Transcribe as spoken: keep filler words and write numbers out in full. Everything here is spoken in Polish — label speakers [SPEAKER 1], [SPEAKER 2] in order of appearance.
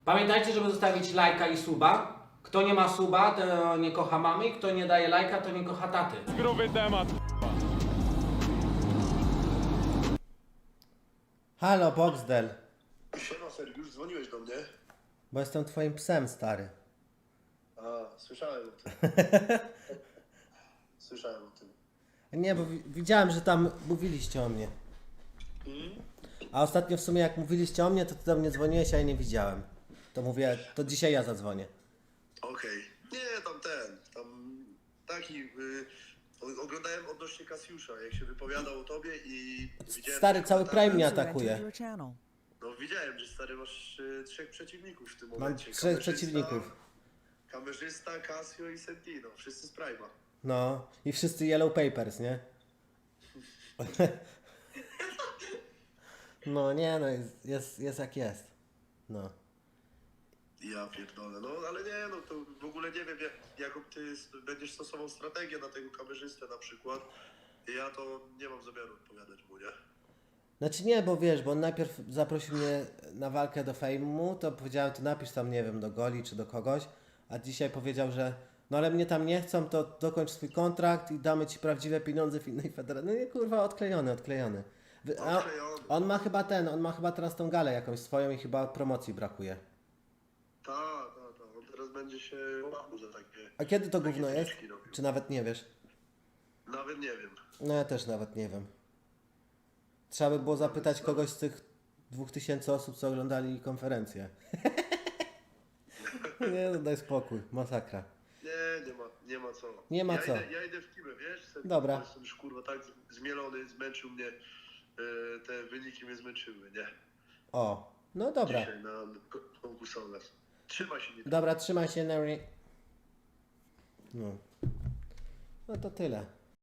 [SPEAKER 1] Pamiętajcie, żeby zostawić lajka i suba. Kto nie ma suba, to nie kocha mamy. Kto nie daje lajka, to nie kocha taty.
[SPEAKER 2] Gruby temat.
[SPEAKER 3] Halo, Boxdel.
[SPEAKER 4] Siema Sergiusz, dzwoniłeś do mnie?
[SPEAKER 3] Bo jestem twoim psem, stary.
[SPEAKER 4] A, słyszałem o tym. Słyszałem o tym.
[SPEAKER 3] Nie, bo wi- widziałem, że tam mówiliście o mnie. A ostatnio w sumie jak mówiliście o mnie, to ty do mnie dzwoniłeś, a ja nie widziałem. To mówię, to dzisiaj ja zadzwonię.
[SPEAKER 4] Okej. Nie, tam ten, tam taki... Y, o- oglądałem odnośnie Kasiusza, jak się wypowiadał o tobie i widziałem...
[SPEAKER 3] Stary,
[SPEAKER 4] że
[SPEAKER 3] cały
[SPEAKER 4] komentarze-
[SPEAKER 3] Prime mnie
[SPEAKER 5] User entered
[SPEAKER 3] atakuje.
[SPEAKER 5] your channel.
[SPEAKER 4] No widziałem, że stary masz y, trzech przeciwników w tym
[SPEAKER 3] Mam
[SPEAKER 4] momencie.
[SPEAKER 3] trzech
[SPEAKER 4] Kamerzysta-
[SPEAKER 3] przeciwników.
[SPEAKER 4] Kamerzysta, Casio i Sentino, wszyscy z Prime'a.
[SPEAKER 3] No, i wszyscy Yellow Papers, nie? No nie, no jest, jest, jest jak jest. No.
[SPEAKER 4] Ja pierdolę, no ale nie, no to w ogóle nie wiem, jak, jaką ty s- będziesz stosował strategię na tego kamerzystę na przykład. Ja to nie mam zamiaru odpowiadać mu, nie?
[SPEAKER 3] Znaczy nie, bo wiesz, bo on najpierw zaprosił mnie na walkę do Fejmu, to powiedziałem, to napisz tam, nie wiem, do Goli czy do kogoś, a dzisiaj powiedział, że no ale mnie tam nie chcą, to dokończ swój kontrakt i damy ci prawdziwe pieniądze w innej federacji. No nie, kurwa, odklejony, odklejony. Wy- a
[SPEAKER 4] Odklejony.
[SPEAKER 3] On ma chyba ten, on ma chyba teraz tą galę jakąś swoją i chyba promocji brakuje.
[SPEAKER 4] Tak, tak, tak. On teraz będzie się łapał za takie...
[SPEAKER 3] A kiedy to
[SPEAKER 4] takie
[SPEAKER 3] gówno jest?
[SPEAKER 4] zniczki robił.
[SPEAKER 3] Czy nawet nie wiesz?
[SPEAKER 4] Nawet nie wiem.
[SPEAKER 3] No ja też nawet nie wiem. Trzeba by było zapytać kogoś z tych dwóch tysięcy osób, co oglądali konferencję. Nie, no daj spokój, masakra.
[SPEAKER 4] Nie, nie ma, nie ma co.
[SPEAKER 3] Nie ma
[SPEAKER 4] ja
[SPEAKER 3] co.
[SPEAKER 4] Idę, ja idę w kimę, wiesz? Serio,
[SPEAKER 3] Dobra.
[SPEAKER 4] bo Jestem już kurwa tak z- zmielony, zmęczył mnie. e, te wyniki mnie zmęczyły, nie?
[SPEAKER 3] O, no dobra.
[SPEAKER 4] Dzisiaj na ko- konkursowe. Trzymaj się, nie
[SPEAKER 3] Dobra, trzymaj się, Neri. No. No to tyle.